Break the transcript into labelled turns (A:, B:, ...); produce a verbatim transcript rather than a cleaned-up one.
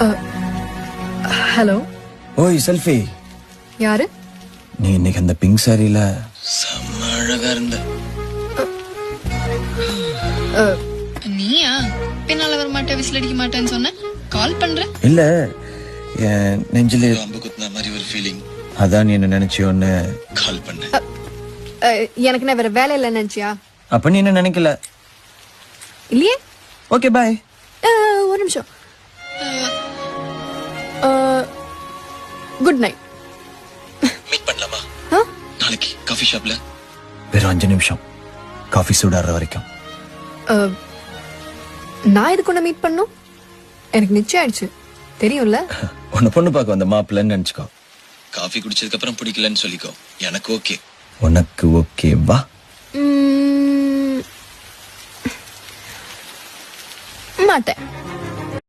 A: Hello.
B: ஓய் selfie.
A: யாரு?
B: நீ இன்னைக்கு அந்த பிங்க் சாரியில செம்ம அழகா இருந்த.
C: நீயா? பின்னால வர மாட்டேன், விசில் அடிக்க மாட்டேன்னு சொன்ன. கால் பண்ற?
B: இல்ல, என் நெஞ்சில அம்பு குத்துன மாதிரி ஒரு ஃபீலிங். அதான் நீ என்ன நினைச்சியோன்னு கால் பண்ண.
A: எனக்கு நான் வேற வேலை இல்லை நினைச்சியா?
B: அப்ப நீ என்ன நினைக்கல
A: இல்லையே.
B: Okay bye.
A: ஒரு நிமிஷம். Good night.
B: மீட் பண்ணலாமா நாளைக்கு காஃபி ஷாப்ல? வெறும் அஞ்சு நிமிஷம், காஃபி சூடாடுற வரைக்கும்.
A: நான் இதுக்கு ஒண்ணு மீட் பண்ணும். எனக்கு நிச்சயம் ஆயிடுச்சு, தெரியும்ல.
B: உன்னை பொண்ணு பார்க்க வந்த மாப்பிள்ளன்னு நினைச்சுக்கோ. காஃபி குடிச்சதுக்கு அப்புறம் பிடிக்கலன்னு சொல்லிக்கோ. எனக்கு ஓகே. உனக்கு ஓகே வா.
A: மாட்டேன்.